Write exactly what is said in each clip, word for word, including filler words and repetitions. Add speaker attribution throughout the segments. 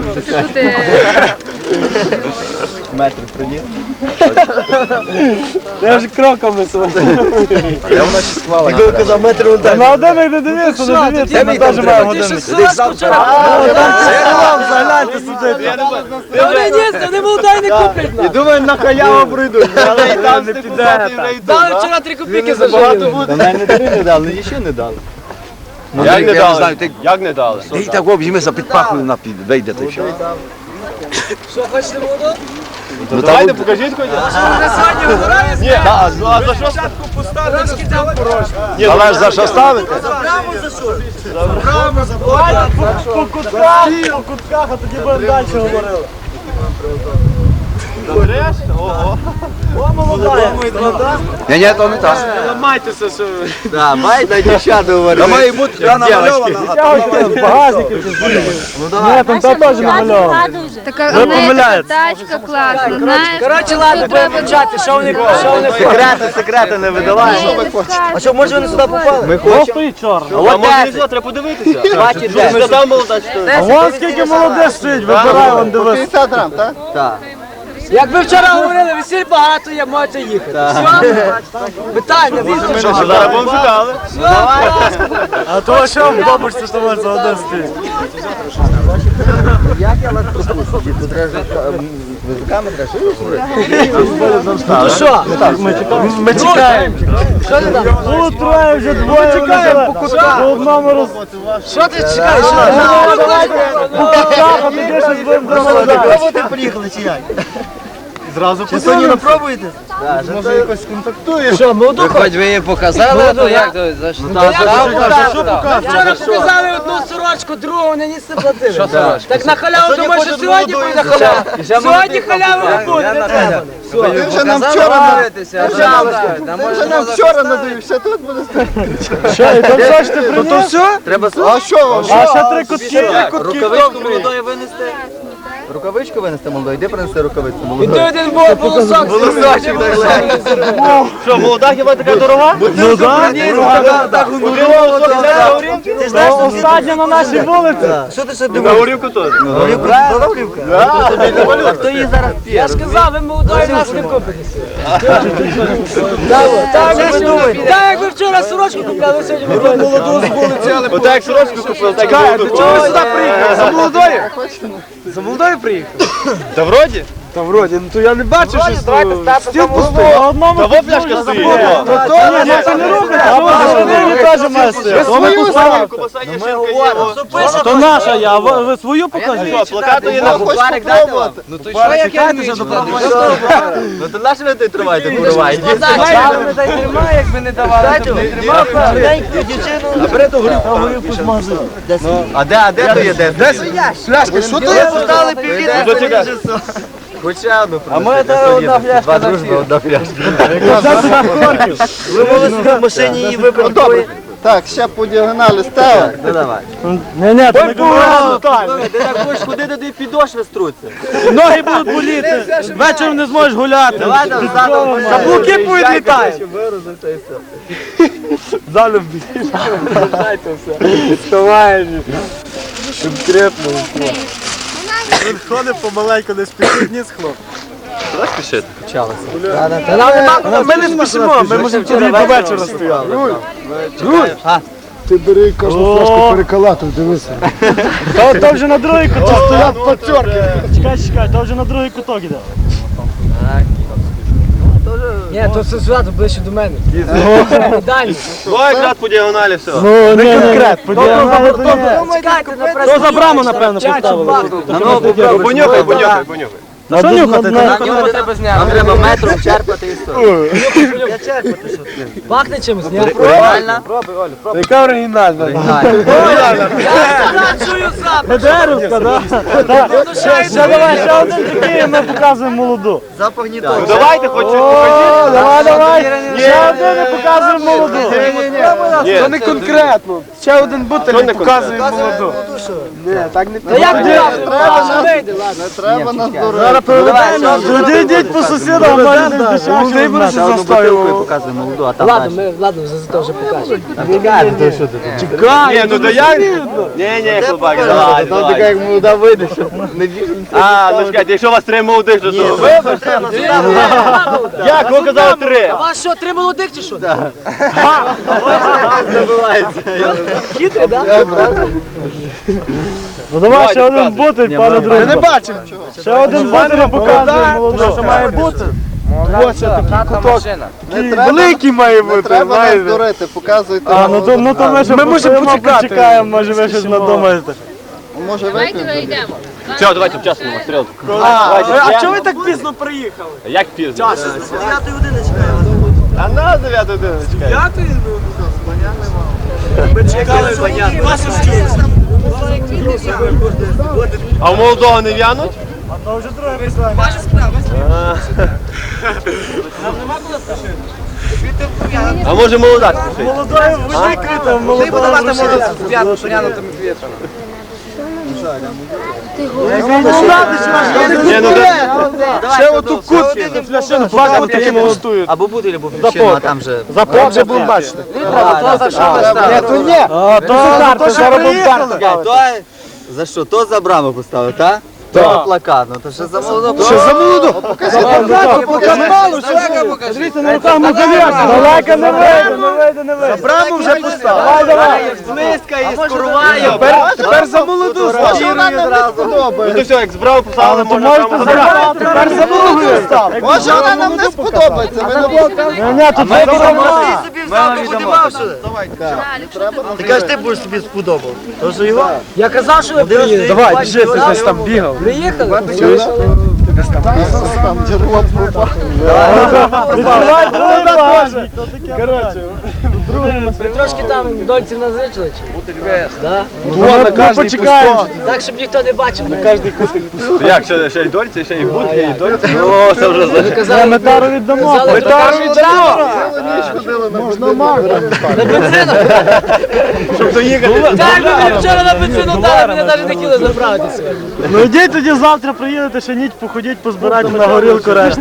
Speaker 1: Метр приніс.
Speaker 2: Я вже кроками свою.
Speaker 1: Я вона ще схвала.
Speaker 3: Коли казав метр вон так.
Speaker 2: На годинник не дивився, не дивився. Ми теж маємо годинник. Загляньте сюди.
Speaker 4: Вони ні, не молодай не куплять.
Speaker 1: І думаю, на халяву прийдуть. Але і там не піде.
Speaker 4: Дали вчора три копійки зажили.
Speaker 1: Та мене не три не дали, і ще не дали.
Speaker 3: Як не дали?
Speaker 5: Як не дали?
Speaker 3: І так обжимися під пахою напід, вийде ти все.
Speaker 4: Що, хочете воду?
Speaker 5: Ну давайте покажіть хоч.
Speaker 4: На сьогодні вибирає
Speaker 5: Ні, а за що?
Speaker 4: трошки там порожні.
Speaker 3: Але ж за що ставити?
Speaker 2: По кутках, по кутках, а тоді будемо далі говорили.
Speaker 5: Добреш? Ого.
Speaker 2: О, молодая.
Speaker 3: Ні, ні, то не так.
Speaker 5: Ламайтеся, що ви.
Speaker 1: Так, майда дівчата говорили.
Speaker 3: Та має бути я намальована.
Speaker 2: З багажників чи звідки? Ні, там та теж намальовано.
Speaker 6: Така
Speaker 2: Ви
Speaker 6: у неї
Speaker 2: помиляєтесь.
Speaker 6: тачка класна, знаєш.
Speaker 4: Коротше, ладно, будемо почати. Що вони що вони
Speaker 1: Секрети, секрети не видаваємо.
Speaker 6: А
Speaker 3: що, може вони сюди попали?
Speaker 1: Ми
Speaker 2: Ось
Speaker 1: хочемо.
Speaker 2: стоїть чорна.
Speaker 5: А може різно, треба подивитися.
Speaker 1: Бачите,
Speaker 5: Що ж задав молода, що?
Speaker 2: А вон скільки молодих стоїть, вибирай, вон дивись.
Speaker 1: п'ятдесят грам, так? Так.
Speaker 4: Як ви вчора говорили, весіль багато є, можете їхати. Все? Питання, візьмемо.
Speaker 5: Що ж, зараз будемо шукали.
Speaker 2: А то що в бабушці, що може за один стоїть?
Speaker 1: Як я вас пропустив? Тут треба визиками треба
Speaker 4: Ну що?
Speaker 2: Ми чекаємо. Ми чекаємо.
Speaker 4: Що ти там?
Speaker 2: Ну, троє вже двоє. Чекаємо по кутках. По одному роз...
Speaker 4: Що ти чекаєш? Що ти?
Speaker 2: По кутках, а тоді щось будемо домовляти.
Speaker 1: Ви приїхали чи як?
Speaker 2: Зразу
Speaker 1: Чи сьогодні не пробуєте? Може якось контактуєш?
Speaker 4: Що, молоду?
Speaker 3: Хоч ви її показали, то як то? За що?
Speaker 4: Вчора показали одну сорочку, другу вони ніс не платили. Що сорочку? Так на халяву думаєш, що сьогодні буде халява. Сьогодні халяви не буде, не треба.
Speaker 1: Ти вже нам вчора вже нам вчора надивився, тут буде
Speaker 2: Що, і там що ж ти приніс?
Speaker 1: все? Треба А що вам?
Speaker 2: А ще три кутки.
Speaker 1: Рукавичку молодої винести? Рукавичку винести молодої? Де принести рукавицю
Speaker 4: І
Speaker 1: молодої?
Speaker 4: той один був волосок.
Speaker 1: Волосочок так легенький.
Speaker 5: Що, молода хіба така дорога?
Speaker 2: Ну так.
Speaker 1: Ти знаєш, що
Speaker 2: Остання на нашій вулиці.
Speaker 1: що ти ще
Speaker 5: На
Speaker 1: думаєш?
Speaker 5: горівку теж.
Speaker 1: Горівка? Горівка? А хто її зараз п'є?
Speaker 4: Я ж казав, ви молодої нас не купитеся. Так, ви думаєте? Так, як ви вчора сорочку купляли, сьогодні ви будете.
Speaker 1: Молоду з вулиці, але
Speaker 5: Отак як сорочку купив, так і молоду.
Speaker 2: Чого ви сюди приїхали? За молодою? За молодою приїхали?
Speaker 5: Та вроді?
Speaker 2: Та вроді, ну то я не бачу, що стіл пустий. А одному
Speaker 5: Та во пляшка стоїть. во.
Speaker 2: то то, ні, це не рухається, а ви не теж має стояти. То ми поставили.
Speaker 5: Кубаса є шинка є. во.
Speaker 2: То наша я, ви ви свою покажіть.
Speaker 5: Що, плакати є на
Speaker 1: Бухарик дайте вам. Ну то що, як я не Ну то наш ви той тривайте, курва.
Speaker 4: Якби не давали, то не тримав.
Speaker 1: А бери ту горівку з магазину. А де, а де то є? Де? Пляшка, що то є? Поставили півлітра.
Speaker 5: Що чекай?
Speaker 1: Хоча одну.
Speaker 4: А ми це одна пляшка.
Speaker 1: Два дружби, одна пляшка.
Speaker 4: Ви могли собі в машині її випити.
Speaker 1: Так, ще по діагоналі ставимо. Ну давай.
Speaker 2: Ні, ні, то не конкретно так.
Speaker 1: Ти так будеш ходити, де підошви струться.
Speaker 2: Ноги будуть боліти, вечором не зможеш гуляти.
Speaker 1: Давай там задом.
Speaker 2: Каблуки будуть літати. Залюб. Вставаєш. Конкретно. Він ходить помаленьку, не спішить ні з хлоп.
Speaker 5: Куди спішити?
Speaker 2: Ми не спішимо, ми можемо тільки до вечора стояли.
Speaker 7: Ти бери кожну флешку переколату, дивися.
Speaker 2: То, то вже на другий куток. Стоять пацьорки. Чекай, чекай, то вже на другий куток іде.
Speaker 4: Ні, то все сюди, ближче до мене. Далі.
Speaker 5: Ой, якраз по діагоналі все.
Speaker 2: Ну, не конкретно.
Speaker 4: Чекайте, на
Speaker 2: То за браму, напевно, поставили.
Speaker 5: Понюхай, понюхай, понюхай.
Speaker 2: На що нюхати?
Speaker 4: На нього треба зняти.
Speaker 1: Нам треба метром черпати і все.
Speaker 4: Пахне чимось, ні?
Speaker 1: Реально?
Speaker 2: Яка оригінальна?
Speaker 4: Я чую запах.
Speaker 2: Деревка, так? Ще давай, ще один такий, і ми показуємо молоду.
Speaker 1: Запах не
Speaker 5: Ну
Speaker 1: той.
Speaker 5: давайте хоч щось
Speaker 2: О,
Speaker 5: покажіть.
Speaker 2: давай, давай. Ще один і показуємо молоду.
Speaker 5: Ні.
Speaker 2: Це не конкретно. Ще один бутиль і показуємо молоду. Ні, так не
Speaker 4: Та як ти? Вийде, ладно.
Speaker 7: Не треба нас дурити.
Speaker 2: Зараз проведемо. Туди йдіть по сусідам, а мене десь дешевше буде застоювати.
Speaker 3: Показує молоду, а там
Speaker 4: Ладно, ми, ладно, за це вже покажемо.
Speaker 2: Чекай,
Speaker 5: Ні, ну да як? Ні, ні, хлопаки, давай,
Speaker 7: Там така
Speaker 5: давай.
Speaker 7: як молода вийде, що не біжимо.
Speaker 5: А, ну чекайте, якщо у вас три молодих, то що?
Speaker 1: Вибачте,
Speaker 5: Як? Ви казали три.
Speaker 4: А вас що, три молодих чи що?
Speaker 2: хитрий, так? Ну давай ще один бутиль, пане друже. Я не бачив. Ще один бутиль показує молодого. Що має бути? Ось такий куток. Великий має бути,
Speaker 7: Треба нас
Speaker 2: знаєте.
Speaker 7: дурити, показуйте.
Speaker 2: А, ну то, ну то ми ще
Speaker 6: Ми можемо
Speaker 2: постоїмо,
Speaker 6: почекати.
Speaker 2: почекаємо, може ви щось надумаєте.
Speaker 7: Може вип'ємо?
Speaker 5: Все, давайте вчасно на стрілку.
Speaker 6: А чого ви так пізно приїхали?
Speaker 5: Як пізно?
Speaker 4: дев'ятої години чекаємо.
Speaker 5: А на дев'яту годину чекай.
Speaker 6: П'ятої? Ми чекали, вас
Speaker 5: А у молодого не в'януть?
Speaker 2: А то вже друге питання.
Speaker 5: А може молода спішить?
Speaker 2: Молодої викрито, молодого
Speaker 5: Ні, ну да.
Speaker 2: Ще оту кутку, фляшину, два кутки молодують.
Speaker 3: Або бутиль, або фляшину, а там же...
Speaker 2: Запомни, вже будемо бачити. Ні, то ні. А, то то що приїхали.
Speaker 3: За що? То за браму поставив, так? То плакат, ну то що за молоду?
Speaker 2: Що за молоду? Дивіться, на руках мукавірка. Далеко не вийде, не вийде, не вийде.
Speaker 1: браму вже поставив.
Speaker 2: Давай, давай.
Speaker 1: Близька і скоруває.
Speaker 2: Тепер за молоду
Speaker 5: Ну то все, як збрав, поставили,
Speaker 2: то
Speaker 5: можна
Speaker 2: можете
Speaker 5: прямо
Speaker 2: забрати. Тепер за молоду став.
Speaker 7: Може вона нам не сподобається. Ми не
Speaker 2: Ні, тут вибором.
Speaker 1: Ти собі взяв, ти подимав сюди. Ти кажеш, ти будеш собі сподобав. То що його?
Speaker 4: Я казав, що ви приїдете.
Speaker 2: Давай, біжи, ти десь там бігав.
Speaker 4: Приїхали?
Speaker 7: там джерело пропало.
Speaker 2: Відкривай другий багажник. Коротше.
Speaker 4: Ви трошки там дольців назичили чи? Да?
Speaker 2: Ну, почекаємо.
Speaker 4: Так, щоб ніхто не бачив.
Speaker 5: Як, ще, ще й дольці, ще й будки, і дольці? О, це вже за...
Speaker 4: Казали,
Speaker 2: Метару віддамо.
Speaker 4: казали,
Speaker 2: Метару віддамо.
Speaker 7: Можна марка.
Speaker 4: на бензину.
Speaker 5: Щоб доїхати.
Speaker 4: Так, ви мені вчора на бензину дали, мене навіть не хотіли забрати сьогодні.
Speaker 2: Ну йдіть тоді завтра приїдете, ще ніч походіть, позбирайте на горілку решту.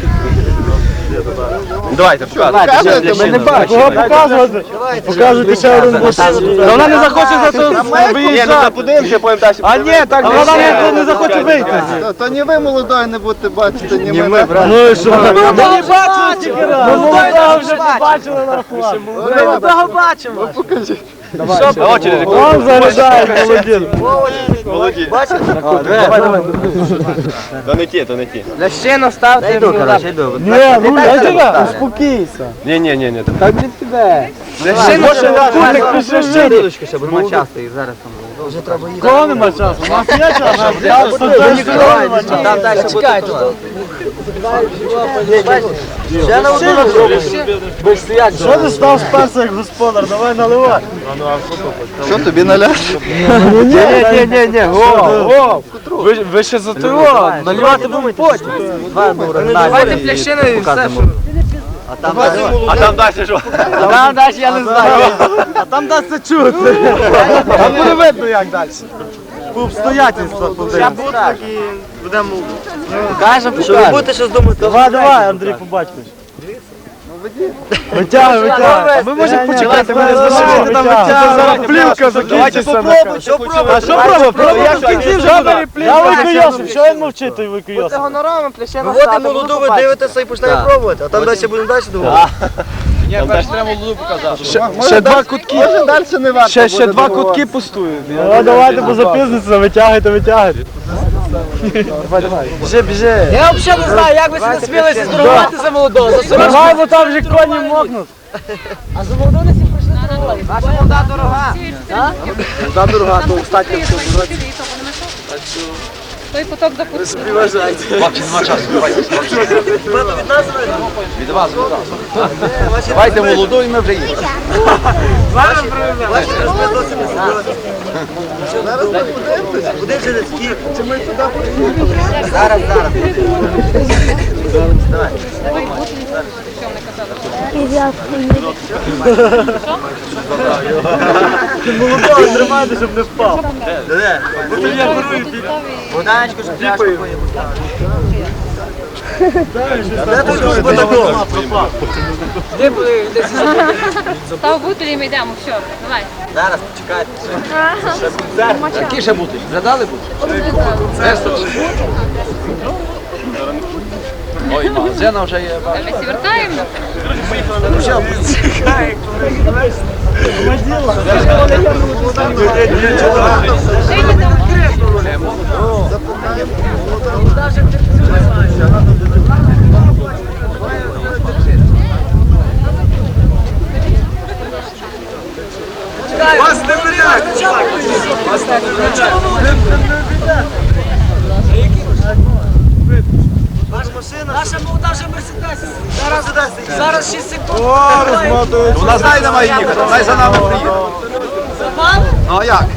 Speaker 5: Давайте, показуйте.
Speaker 7: Ми не
Speaker 2: Кого показувати? Показуйте ще один бус. Вона не захоче за це
Speaker 5: Ні, ну
Speaker 2: виїжджати.
Speaker 5: запудимося, потім далі.
Speaker 2: А ні, так вона не, не захоче вийти.
Speaker 7: То не ви молодої не будете бачити, ні ми.
Speaker 2: Ну і що? Ми не бачили тільки раз. Ну молодого вже побачили на рахунок.
Speaker 4: Ми молодого бачимо.
Speaker 5: На очередь.
Speaker 2: Он заряджає молодін.
Speaker 5: Молоді.
Speaker 2: Давай, давай.
Speaker 5: То не ті, то не ті.
Speaker 4: Лящину ставте.
Speaker 3: Йду, коротше, йду.
Speaker 2: Ні, ну я тебе. Успокійся.
Speaker 5: Ні, ні, ні, ні.
Speaker 2: Так від тебе. Може, кутик пішли ще.
Speaker 3: Дідочка ще, бо нема часу, і зараз там молоду.
Speaker 2: Кого нема часу? У нас є час. Я студент, нема часу.
Speaker 3: Там далі
Speaker 4: Чекай,
Speaker 3: буде.
Speaker 1: Ще на одну на другу.
Speaker 2: Що ти став сперся як господар? Давай наливай.
Speaker 7: Що тобі наляш?
Speaker 2: Ні, ні, ні, ні, го, ви, ви ще за того, наливати будемо потім.
Speaker 4: давайте плящину і все.
Speaker 5: А там далі що?
Speaker 2: Там далі я не знаю. А там дасть це чути. Там буде видно як далі. По обстоятельствах подивимося.
Speaker 1: Кажемо, що ви будете щось думати.
Speaker 2: Давай, давай, Андрій, побачиш. Витягуй, витягуй. А ми можемо почекати, ми не залишити там витягуй. Зараз плівка закінчиться.
Speaker 1: Що пробуй?
Speaker 2: А що пробуй? Пробуй, я в кінці вже буде. Я викойосив, що він мовчить, той викойосив.
Speaker 1: Виводимо молоду, ви дивитеся і почнемо пробувати. А там далі будемо далі думати.
Speaker 7: Ще два кутки. Може далі не варто.
Speaker 2: Ще, ще два кутки пустують. Ну, давайте, бо запізниться, витягуйте, витягуйте. Біжи, біжи.
Speaker 4: Я взагалі не знаю, як ви себе смілися здорувати за молодого. За сорочку.
Speaker 2: Давай, бо там вже коні мокнуть.
Speaker 4: А за молодого не всі прийшли здорувати. Ваша молода дорога.
Speaker 2: Та дорога, то встати.
Speaker 8: Той поток запустив.
Speaker 3: Хлопці, нема часу, давайте. Від вас, від вас. Давайте молоду і ми вже їдемо.
Speaker 1: Куди вже не скільки?
Speaker 8: Давай бути, що не казали.
Speaker 2: Молодого тримайте, щоб не впав.
Speaker 1: Богданечко, щоб пляшку поїв. Де тут служба такого?
Speaker 4: Де були десь?
Speaker 8: Став бутилі, ми йдемо, все, давай.
Speaker 1: Зараз, почекайте.
Speaker 4: Які ще бути? Згадали бути? Ой, магазина вже є.
Speaker 8: Ми всі вертаємо.
Speaker 1: Вас не варіант! Вас не
Speaker 6: Наша молода вже Мерседес. Зараз, зараз шість секунд.
Speaker 2: О, розмотують.
Speaker 5: У нас дай має їхати, дай за нами приїхати. Ну а як?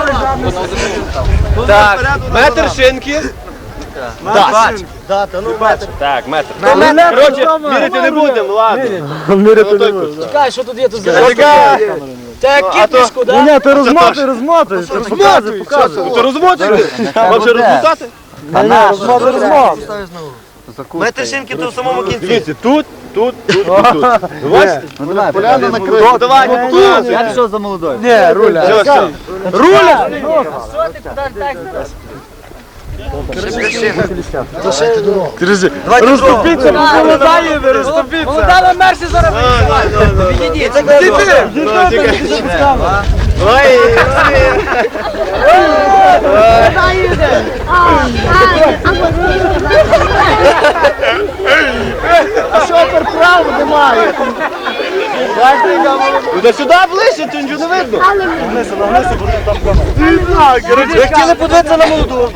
Speaker 5: Так, метр шинки.
Speaker 1: Дата, ну метр.
Speaker 5: Так, метр.
Speaker 2: Коротше,
Speaker 5: Міряти не будемо, ладно.
Speaker 2: Міряти не можна.
Speaker 4: Чекай, що тут є тут за
Speaker 5: Чекай.
Speaker 4: Це кіпішку,
Speaker 2: Ні,
Speaker 4: да?
Speaker 2: ні, ти розмотуй, розмотуй. Розмотуй, показуй.
Speaker 5: То розмотуєш? Вам ще розмотати?
Speaker 2: Ні, розмотуй, розмотуй.
Speaker 1: Метр шинки то в самому кінці.
Speaker 5: Дивіться, тут, тут, тут і тут. Бачите?
Speaker 3: Ну давай,
Speaker 7: Поляна накрита.
Speaker 5: Давай, тут.
Speaker 3: я пішов за молодою.
Speaker 2: Ні, руля.
Speaker 5: Все, все.
Speaker 2: Руля! Друзі, розступіться, молодає, ви розступіться.
Speaker 4: Молода Мерсі зараз
Speaker 1: Відійдіть.
Speaker 5: Ой,
Speaker 2: А що перправу немає?
Speaker 5: до сюди ближче, то нічого не видно.
Speaker 2: Нагнися, нагнися, бо там камера.
Speaker 1: Ви хотіли подивитися на молоду?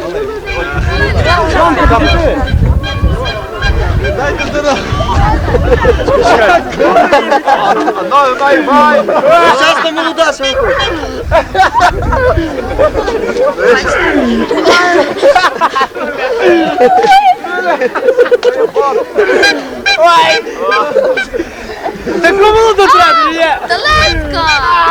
Speaker 5: Ну, дай, дай.
Speaker 1: Зараз на молода, що ви хочете?
Speaker 4: таку молоду треба, є.
Speaker 8: Далеко!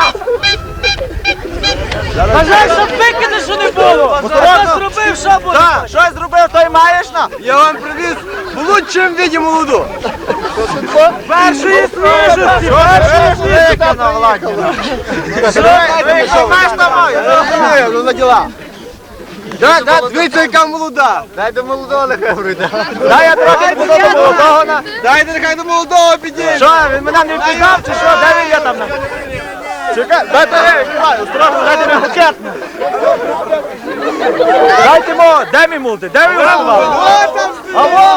Speaker 4: Бажай, щоб викиди, що не було. Хто зробив, що буде?
Speaker 1: Так, щось зробив, той маєш на? Я вам привіз в лучшому віді молоду.
Speaker 4: Першої свіжості, першої свіжості.
Speaker 1: на владі. Що маєш там маю? Я розумію, ну на діла. Так, так, дивіться, яка молода. Дай до молодого нехай прийде. Дай я трохи не буду до молодого. на- Дайте нехай до молодого підійде. Що, він мене не впізнав чи що? Де він є там? Чекай, дайте я, осторожно, дайте мені букет. Дайте йому, де мій молодий, де він готував? Алло!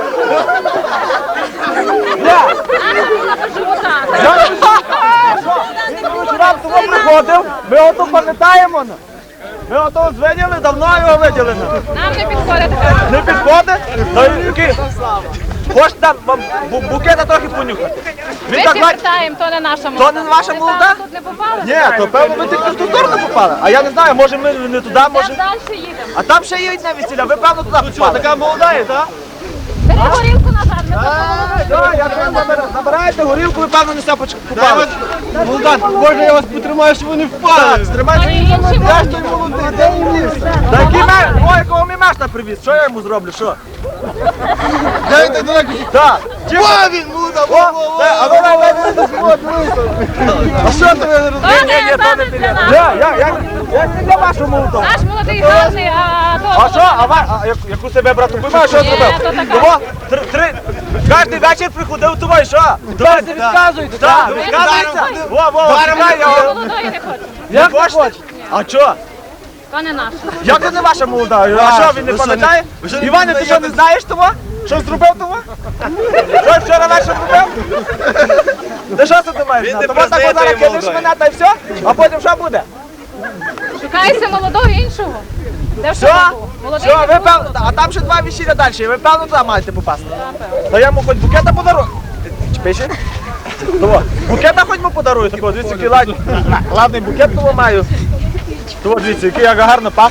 Speaker 1: Вчора того приходив, ми ото пам'ятаємо. Ми ото звиділи, давно його виділи.
Speaker 8: Нам не підходить така.
Speaker 1: Не підходить? Ну, який? Хочете там вам бу- букета трохи понюхати?
Speaker 8: Ми
Speaker 1: Він так
Speaker 8: всі
Speaker 1: бачить.
Speaker 8: вертаємо, то не наша молода.
Speaker 1: не ваша
Speaker 8: Ми
Speaker 1: молода?
Speaker 8: там тут не попали.
Speaker 1: Ні, то певно ви тільки в ту сторону попали. А я не знаю, може ми не туди,
Speaker 8: Там
Speaker 1: може.
Speaker 8: далі їдемо.
Speaker 1: А там ще є одне весілля, ви певно туди попали. Така молода є, так?
Speaker 8: Бери горілку назад, ми
Speaker 1: Так, я кажу, набира- набираєте горілку, ви певно не все попали. Молода, можна я вас потримаю, щоб ви не впали. Стримайте.
Speaker 8: інші
Speaker 1: Я ж той молодий, де він ліз? Та який меш? Ой, якого мій мешта привіз, що я йому зроблю, що?
Speaker 7: Дайте далеко.
Speaker 1: Так.
Speaker 7: О, він молода, во, во, во.
Speaker 1: А ви давайте А що ти не
Speaker 8: То
Speaker 1: розумієш?
Speaker 8: не, то не для нас.
Speaker 1: Я, я, я, я не для вашого молодого.
Speaker 8: Наш молодий гарний, а то...
Speaker 1: А що? А, ва- а як- яку себе брати? Ви що
Speaker 8: Ні,
Speaker 1: зробив?
Speaker 8: то така.
Speaker 1: Того, три, три, кожен вечір приходив до вас, що?
Speaker 4: Давайте відказуйте.
Speaker 1: Так,
Speaker 8: Ви
Speaker 1: відказується?
Speaker 8: не
Speaker 1: Во, во, чекай, я вам-
Speaker 8: Молодої не хоче.
Speaker 1: Не хочете? А що?
Speaker 8: То не наш.
Speaker 1: Як це не ваша молода? А що, він не пам'ятає? Іване, ти що не знаєш того? Що зробив того? Що вчора вечір робив? Ти що це ти маєш знати? Тому так от зараз кинеш мене та й все, а потім що буде?
Speaker 8: Шукайся молодого іншого. Де
Speaker 1: Що?
Speaker 8: що був? Молодий
Speaker 1: Що,
Speaker 8: не
Speaker 1: ви
Speaker 8: був.
Speaker 1: певно, а там ще два весілля далі, ви певно туди маєте попасти. Та я йому хоч букета подарую. Пише? Того, букета хоч йому подарую, такого, дивіться, який ладний, ладний букет того маю. Того, дивіться, який як гарно пахне.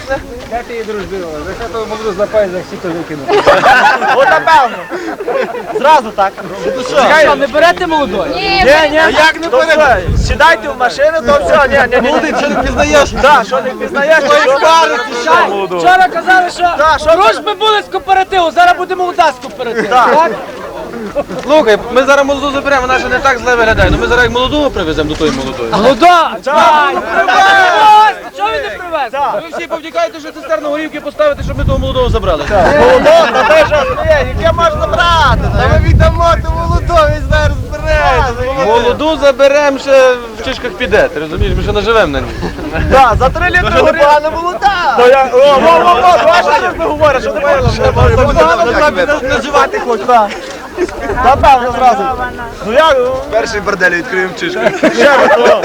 Speaker 2: От напевно. Зразу так.
Speaker 4: Що, не берете молодої?
Speaker 8: Ні,
Speaker 2: Ні, ні, як не буде? Сідайте в машину, то все, ні, ні, ні.
Speaker 3: Молодий, що не пізнаєш?
Speaker 2: Так, що не впізнаєш, то що парити,
Speaker 4: Вчора казали, що
Speaker 2: Так, що
Speaker 4: дружби були з кооперативу, зараз буде молода з кооперативу. Так?
Speaker 5: Слухай, ми зараз молоду заберемо, вона ще не так зле виглядає. Ну ми зараз як молодого привеземо до тої молодої.
Speaker 4: Молода! Чекай! Привез! Чого він не привез?
Speaker 5: Ви всі повтікаєте, що цистерну горівки поставити, щоб ми того молодого забрали.
Speaker 2: молодого, та те, що є, яке можна брати?
Speaker 1: Та ми віддамо ту молоду, він зараз збирається.
Speaker 5: Молоду заберемо ще в чишках піде, ти розумієш, ми ще наживемо на ній.
Speaker 2: Так, за три літри
Speaker 1: Вже
Speaker 2: горілки.
Speaker 1: непогана молода.
Speaker 2: То я, о, о, о, о, давай, що ти говориш, що ти можеш
Speaker 1: Називати хоч.
Speaker 2: Та певно зразу. Ну як, ну,
Speaker 5: Перший бордель відкриємо в чишках.
Speaker 2: ще раз, о.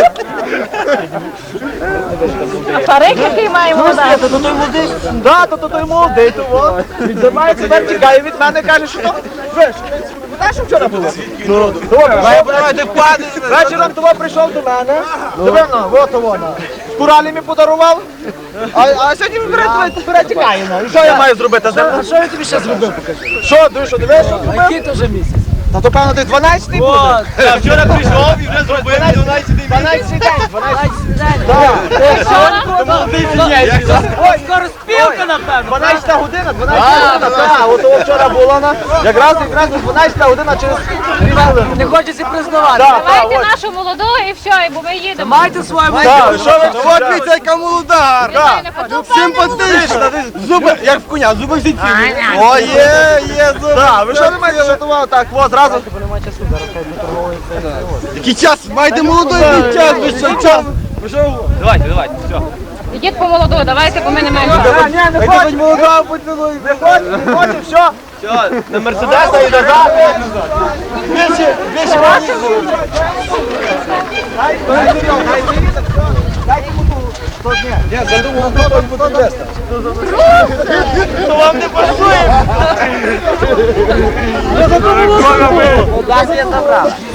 Speaker 8: а парик, який має молода?
Speaker 2: Да, то то той молодий, то от. Він займається, тепер тікає від мене, каже, що то, ви, що ви знаєш, що вчора було? Ну, добре, вечором того прийшов до мене, дивно, от вона, з куралями подарував, а, а сьогодні він бере, бере, тікає, ну, і що я маю зробити з ним?
Speaker 4: А що я тобі ще зробив? Покажи.
Speaker 2: Що, ти що, дивиш, що зробив?
Speaker 4: Який то вже місяць?
Speaker 2: Та то, певно, десь дванадцятий буде.
Speaker 5: А вчора прийшов і вже зробив дванадцятий
Speaker 2: дванадцятий день, дванадцятий
Speaker 4: Ой, скоро спілка, напевно.
Speaker 2: дванадцята година, дванадцята година, так, от того вчора була на, якраз, якраз дванадцята година через три хвилини.
Speaker 4: Не хочеться признавати.
Speaker 2: Так, так,
Speaker 8: Давайте
Speaker 2: ось.
Speaker 8: нашу молоду і все, бо ми їдемо.
Speaker 4: Майте свою
Speaker 2: Так, що ви,
Speaker 1: От дивіться, яка молода.
Speaker 8: Вітаю, не подобається.
Speaker 1: Симпатична. Зуби, як в коня, зуби всі цілі. О, є, є зуби.
Speaker 2: Так, ви що не маєте готували? Так, от, зразу.
Speaker 1: Який час? Маєте молодий який час, ви що час?
Speaker 5: Давайте, давайте, все.
Speaker 8: Ідіть по молоду, давайте, бо ми не маємо.
Speaker 2: Ні, не
Speaker 1: Хай
Speaker 2: хочу,
Speaker 1: хоч молода, будь молодий.
Speaker 2: не хочу, не хочу, все.
Speaker 5: Все,
Speaker 2: На Мерседеса і назад. Більше, більше ваші. То вам не пасує. Я задумав.